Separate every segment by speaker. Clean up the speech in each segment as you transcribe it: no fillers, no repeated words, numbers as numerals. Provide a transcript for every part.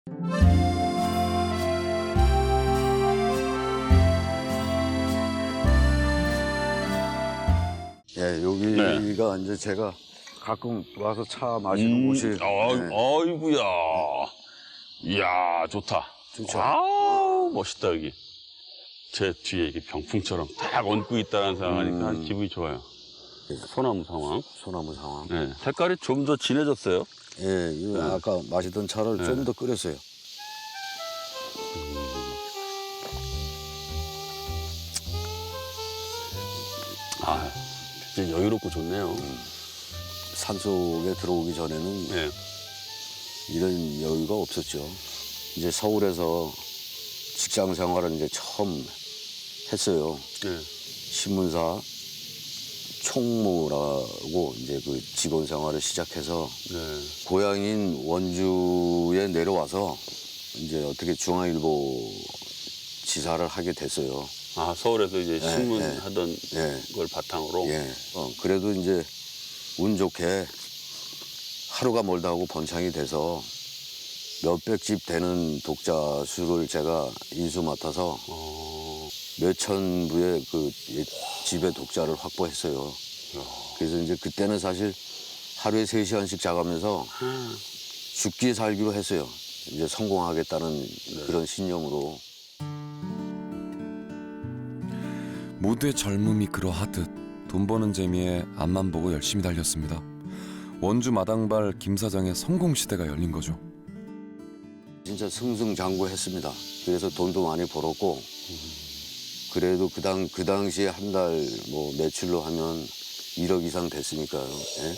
Speaker 1: 예, 여기가 이제 제가 가끔 와서 차 마시는 곳이. 네.
Speaker 2: 아이고야. 이야, 좋다.
Speaker 1: 좋죠.
Speaker 2: 아우, 멋있다, 여기. 제 뒤에 이게 병풍처럼 딱 얹고 있다는 생각하니까 기분이 좋아요. 소나무 상황.
Speaker 1: 소나무 상황.
Speaker 2: 네. 색깔이 좀 더 진해졌어요.
Speaker 1: 예, 이거 아까 마시던 차를 좀 더 끓였어요.
Speaker 2: 아, 진짜 여유롭고 좋네요.
Speaker 1: 산속에 들어오기 전에는
Speaker 2: 네.
Speaker 1: 이런 여유가 없었죠. 이제 서울에서 직장 생활을 이제 처음 했어요.
Speaker 2: 네.
Speaker 1: 신문사 총무라고 이제 그 직원 생활을 시작해서
Speaker 2: 네.
Speaker 1: 고향인 원주에 내려와서 이제 어떻게 중앙일보 지사를 하게 됐어요.
Speaker 2: 아, 서울에서 이제 신문
Speaker 1: 네.
Speaker 2: 하던
Speaker 1: 예.
Speaker 2: 걸 바탕으로.
Speaker 1: 예. 그래도 이제 운 좋게 하루가 멀다 하고 번창이 돼서 몇백 집 되는 독자 수를 제가 인수 맡아서 몇천 부의 그 집의 독자를 확보했어요. 그래서 이제 그때는 사실 하루에 3시간씩 자가면서 죽기 살기로 했어요. 이제 성공하겠다는 그런 신념으로.
Speaker 3: 모두의 젊음이 그러하듯 돈 버는 재미에 앞만 보고 열심히 달렸습니다. 원주 마당발 김 사장의 성공 시대가 열린 거죠.
Speaker 1: 진짜 승승장구했습니다. 그래서 돈도 많이 벌었고 그래도 그 당시에 한 달 뭐 매출로 하면 1억 이상 됐으니까요. 예?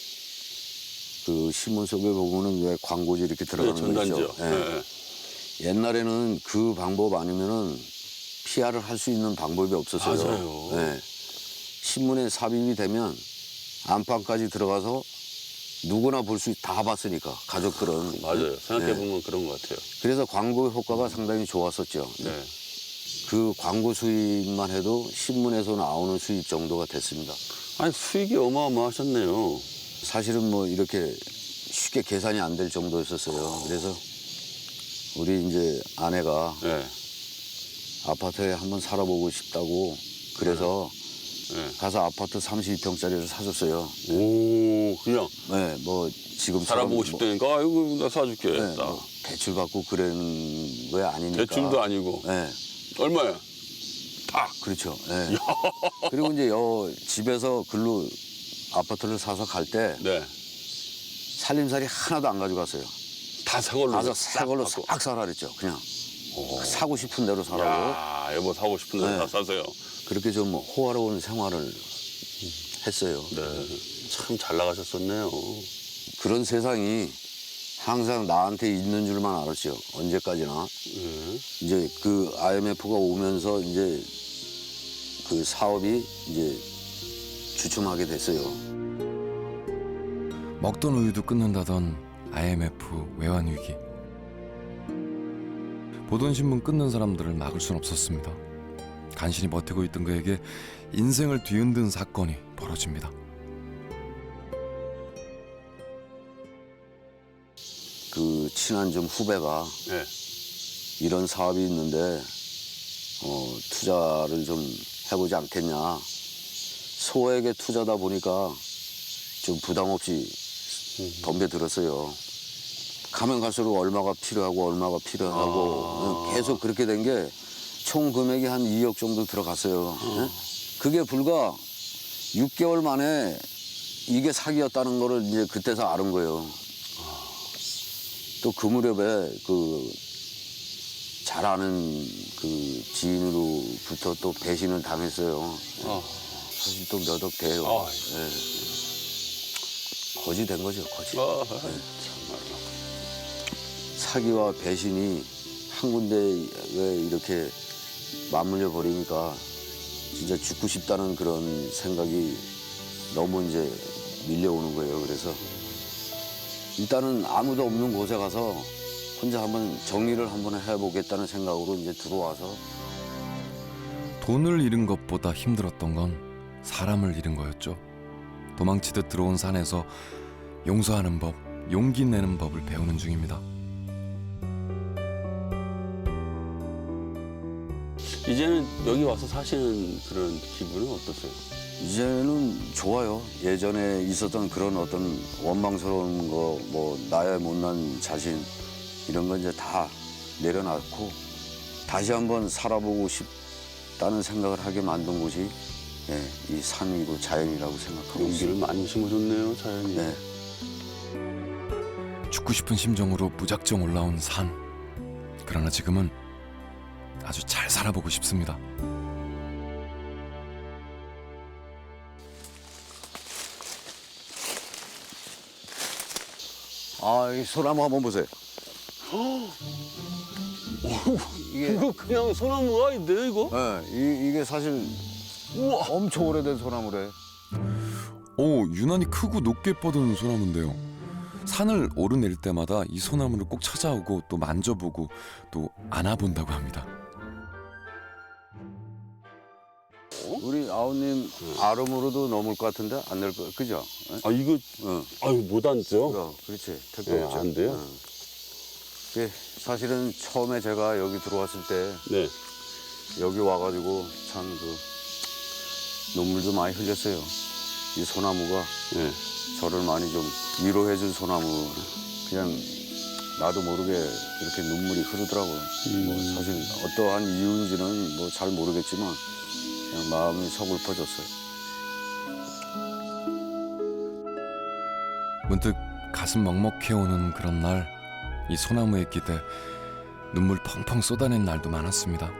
Speaker 1: 그 신문 속에 보면은 왜 광고지 이렇게 들어가는 거 있죠.
Speaker 2: 전단지요.
Speaker 1: 예.
Speaker 2: 네.
Speaker 1: 옛날에는 그 방법 아니면은 PR을 할 수 있는 방법이 없었어요.
Speaker 2: 맞아요.
Speaker 1: 예. 신문에 삽입이 되면 안방까지 들어가서 누구나 볼 수 다 봤으니까 가족들은.
Speaker 2: 맞아요. 생각해보면 그런 것 같아요.
Speaker 1: 그래서 광고 효과가 상당히 좋았었죠.
Speaker 2: 네.
Speaker 1: 그 광고 수입만 해도 신문에서 나오는 수입 정도가 됐습니다.
Speaker 2: 아니, 수익이 어마어마하셨네요.
Speaker 1: 사실은 뭐 이렇게 쉽게 계산이 안 될 정도였었어요. 그래서 우리 이제 아내가
Speaker 2: 네.
Speaker 1: 아파트에 한번 살아보고 싶다고 그래서
Speaker 2: 네.
Speaker 1: 가서 아파트 32평짜리를 사줬어요.
Speaker 2: 오, 그냥
Speaker 1: 네, 뭐 지금
Speaker 2: 살아보고 싶다니까, 아이고, 나 사줄게.
Speaker 1: 네,
Speaker 2: 딱.
Speaker 1: 뭐 대출 받고 그러는 거 아니니까.
Speaker 2: 대출도 아니고.
Speaker 1: 네,
Speaker 2: 얼마야? 딱.
Speaker 1: 그렇죠. 네. 그리고 이제 집에서 글로 아파트를 사서 갈 때
Speaker 2: 네.
Speaker 1: 살림살이 하나도 안 가져갔어요.
Speaker 2: 다 사걸로.
Speaker 1: 가서 새 걸로 싹 사라 그랬죠. 그냥 사고 싶은 대로 사라고.
Speaker 2: 야, 여보 사고 싶은 데
Speaker 1: 네.
Speaker 2: 다 사세요.
Speaker 1: 그렇게 좀 호화로운 생활을 했어요.
Speaker 2: 네. 참 잘 나가셨었네요.
Speaker 1: 그런 세상이 항상 나한테 있는 줄만 알았죠. 언제까지나.
Speaker 2: 네.
Speaker 1: 이제 그 IMF가 오면서 이제 그 사업이 이제 주춤하게 됐어요.
Speaker 3: 먹던 우유도 끊는다던 IMF 외환 위기. 보던 신문 끊는 사람들을 막을 순 없었습니다. 간신히 버티고 있던 그에게 인생을 뒤흔든 사건이 벌어집니다.
Speaker 1: 그 친한 좀 후배가
Speaker 2: 네.
Speaker 1: 이런 사업이 있는데 투자를 좀 해보지 않겠냐. 소액의 투자다 보니까 좀 부담 없이 덤벼들었어요. 가면 갈수록 얼마가 필요하고 계속 그렇게 된 게 총 금액이 한 2억 정도 들어갔어요. 예? 그게 불과 6개월 만에 이게 사기였다는 거를 이제 그때서 알은 거예요. 또 그 무렵에 그 잘 아는 그 지인으로부터 또 배신을 당했어요. 사실 또 몇 억 돼요. 예. 거지 된 거죠, 거지. 사기와 배신이 한 군데에 이렇게 맞물려 버리니까 진짜 죽고 싶다는 그런 생각이 너무 이제 밀려오는 거예요. 그래서 일단은 아무도 없는 곳에 가서 혼자 한번 정리를 한번 해보겠다는 생각으로 이제 들어와서.
Speaker 3: 돈을 잃은 것보다 힘들었던 건 사람을 잃은 거였죠. 도망치듯 들어온 산에서 용서하는 법, 용기 내는 법을 배우는 중입니다.
Speaker 2: 이제는 여기 와서 사시는 그런 기분은 어떠세요?
Speaker 1: 이제는 좋아요. 예전에 있었던 그런 어떤 원망스러운 거, 뭐 나의 못난 자신 이런 건 이제 다 내려놨고 다시 한번 살아보고 싶다는 생각을 하게 만든 곳이 예, 이 산이고 자연이라고 생각하고
Speaker 2: 용기를
Speaker 1: 있습니다.
Speaker 2: 많이 심어줬네요, 자연이.
Speaker 1: 네.
Speaker 3: 죽고 싶은 심정으로 무작정 올라온 산. 그러나 지금은 아주 잘 살아보고 싶습니다.
Speaker 1: 아, 이 소나무 한번 보세요. 이게
Speaker 2: 이거 그냥 소나무가 아닌데 이거?
Speaker 1: 예, 이게 사실
Speaker 2: 우와.
Speaker 1: 엄청 오래된 소나무래.
Speaker 3: 오, 유난히 크고 높게 뻗은 소나무인데요. 산을 오르내릴 때마다 이 소나무를 꼭 찾아오고 또 만져보고 또 안아본다고 합니다.
Speaker 1: 우리 아우님 아름으로도 넘을 것 같은데 안 될 거, 그죠? 예?
Speaker 2: 아 이거 아유 못 앉죠?
Speaker 1: 그렇지. 택도
Speaker 2: 네,
Speaker 1: 없죠.
Speaker 2: 안 돼요?
Speaker 1: 이게 사실은 처음에 제가 여기 들어왔을 때
Speaker 2: 네.
Speaker 1: 여기 와가지고 참 그 눈물도 많이 흘렸어요. 이 소나무가
Speaker 2: 네.
Speaker 1: 저를 많이 좀 위로해준 소나무. 그냥 나도 모르게 이렇게 눈물이 흐르더라고요. 뭐 사실 어떠한 이유인지는 뭐 잘 모르겠지만 그냥 마음이 서글퍼졌어요.
Speaker 3: 문득 가슴 먹먹해오는 그런 날, 이 소나무에 기대 눈물 펑펑 쏟아낸 날도 많았습니다.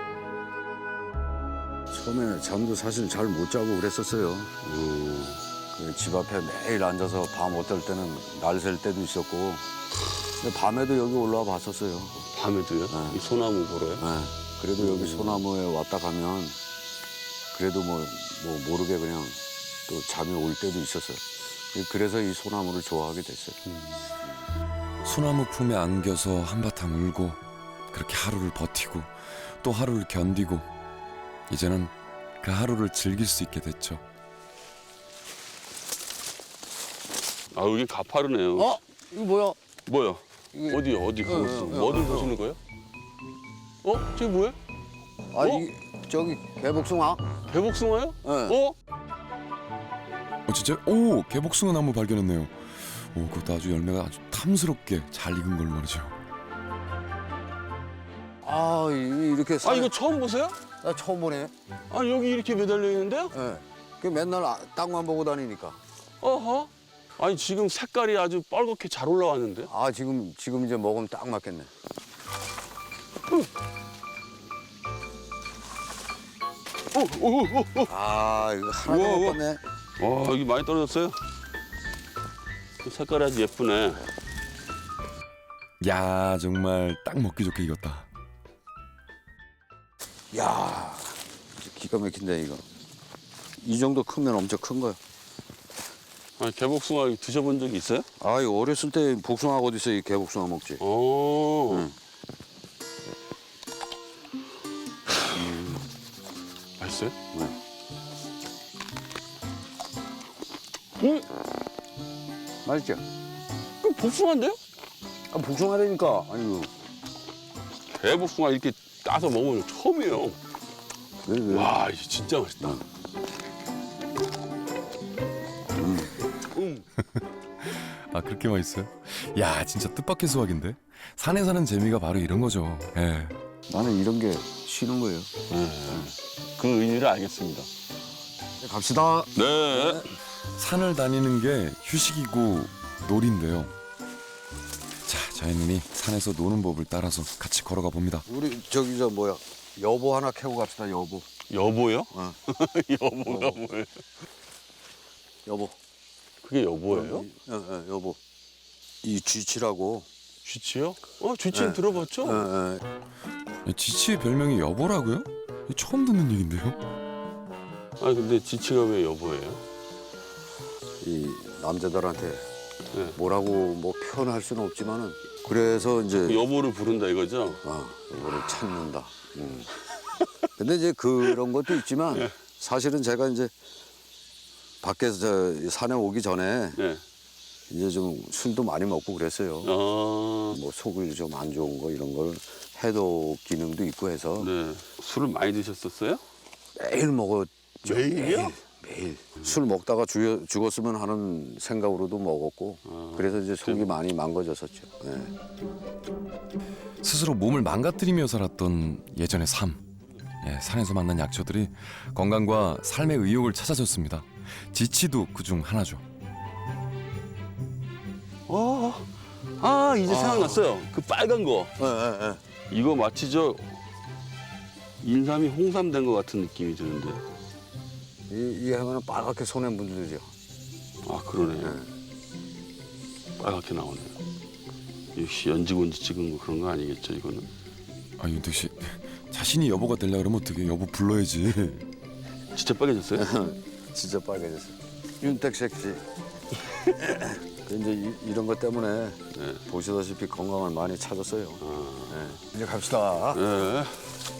Speaker 1: 처음에 잠도 사실 잘 못 자고 그랬었어요. 그 집 앞에 매일 앉아서 밤 어떨 때는 날 샐 때도 있었고. 근데 밤에도 여기 올라와 봤었어요.
Speaker 2: 밤에도요?
Speaker 1: 네.
Speaker 2: 이 소나무 보러요?
Speaker 1: 네. 그래도 여기 소나무에 왔다 가면 그래도 뭐 모르게 그냥 또 잠이 올 때도 있었어요. 그래서 이 소나무를 좋아하게 됐어요.
Speaker 3: 소나무 품에 안겨서 한바탕 울고 그렇게 하루를 버티고 또 하루를 견디고 이제는 그 하루를 즐길 수 있게 됐죠.
Speaker 2: 아 여기 가파르네요.
Speaker 1: 이거 뭐야?
Speaker 2: 뭐야?
Speaker 1: 이게-
Speaker 2: 어디요? 어디 가고 있어? 뭐를 보시는 거예요? 저게 뭐야?
Speaker 1: 아, 저기 개복숭아?
Speaker 2: 개복숭아요?
Speaker 1: 네.
Speaker 3: 진짜? 오, 개복숭아 나무 발견했네요. 오, 그것도 아주 열매가 아주 탐스럽게 잘 익은 걸로 말이죠.
Speaker 1: 아, 이렇게
Speaker 2: 아 이거 처음 보세요?
Speaker 1: 나 처음 보네.
Speaker 2: 아 여기 이렇게 매달려 있는데요?
Speaker 1: 예. 그 맨날 땅만 보고 다니니까.
Speaker 2: 어허. 아니 지금 색깔이 아주 빨갛게 잘 올라왔는데?
Speaker 1: 아, 지금 이제 먹으면 딱 맞겠네. 아, 이거 하나도
Speaker 2: 우와,
Speaker 1: 못
Speaker 2: 우와.
Speaker 1: 봤네.
Speaker 2: 와 여기 많이 떨어졌어요. 그 색깔이 아주 예쁘네.
Speaker 3: 야, 정말 딱 먹기 좋게 익었다.
Speaker 1: 야, 기가 막힌데 이거. 이 정도 크면 엄청 큰 거야.
Speaker 2: 아니, 개복숭아 드셔본 적이 있어요?
Speaker 1: 아, 이거 어렸을 때 복숭아 어디 있어? 이 개복숭아 먹지.
Speaker 2: 오.
Speaker 1: 응.
Speaker 2: 맛있어요?
Speaker 1: 네. 맛있죠?
Speaker 2: 그 복숭아인데요?
Speaker 1: 아, 복숭아라니까. 아니고.
Speaker 2: 개복숭아 이렇게 따서 먹으면 처음이에요.
Speaker 1: 왜?
Speaker 2: 와, 이게 진짜 맛있다.
Speaker 3: 아, 그렇게 맛있어요? 야, 진짜 뜻밖의 수확인데? 산에 사는 재미가 바로 이런 거죠. 예.
Speaker 1: 나는 이런 게 싫은 거예요.
Speaker 2: 그 의미를 알겠습니다.
Speaker 1: 갑시다.
Speaker 2: 네.
Speaker 3: 산을 다니는 게 휴식이고 놀인데요. 자, 저희는 산에서 노는 법을 따라서 같이 걸어가 봅니다.
Speaker 1: 우리 저기 저 뭐야? 여보 하나 캐고 갑시다. 여보.
Speaker 2: 여보요?
Speaker 1: 어.
Speaker 2: 여보가 뭐예요?
Speaker 1: 여보.
Speaker 2: 그게 여보예요?
Speaker 1: 여보. 이 쥐치라고.
Speaker 2: 쥐치요? 쥐치는
Speaker 1: 네.
Speaker 2: 들어봤죠?
Speaker 3: 지치의 별명이 여보라고요? 처음 듣는 얘긴데요.
Speaker 2: 아니 근데 지치가 왜 여보예요?
Speaker 1: 이 남자들한테
Speaker 2: 네.
Speaker 1: 뭐라고 뭐 표현할 수는 없지만은 그래서 이제
Speaker 2: 그 여보를 부른다 이거죠?
Speaker 1: 이거를 찾는다. 근데 이제 그런 것도 있지만 사실은 제가 이제 밖에서 저 산에 오기 전에
Speaker 2: 네.
Speaker 1: 이제 좀 술도 많이 먹고 그랬어요. 뭐 속이 좀 안 좋은 거 이런 걸 해독 기능도 있고 해서
Speaker 2: 네. 술을 많이 드셨었어요?
Speaker 1: 매일 먹었죠.
Speaker 2: 매일이요?
Speaker 1: 매일. 술 먹다가 죽었으면 하는 생각으로도 먹었고 그래서 이제 속이 많이 망가졌었죠. 예.
Speaker 3: 스스로 몸을 망가뜨리며 살았던 예전의 삶. 예, 산에서 만난 약초들이 건강과 삶의 의욕을 찾아줬습니다. 지치도 그중 하나죠.
Speaker 2: 이제 생각났어요. 그 빨간 거. 이거 마치 저 인삼이 홍삼 된 것 같은 느낌이 드는데.
Speaker 1: 이 하면은 빨갛게 손에 묻들죠.
Speaker 2: 아, 그러네요. 빨갛게 나오네요. 역시 연지곤지 찍은 거 그런 거 아니겠죠, 이거는?
Speaker 3: 아, 윤택 씨, 자신이 여보가 되려 그러면 어떻게 여보 불러야지.
Speaker 2: 진짜 빨개졌어요?
Speaker 1: 진짜 빨개졌어요. 윤택색 씨. 이제 이런 것 때문에 보시다시피 건강을 많이 찾았어요. 네. 이제 갑시다.
Speaker 2: 네.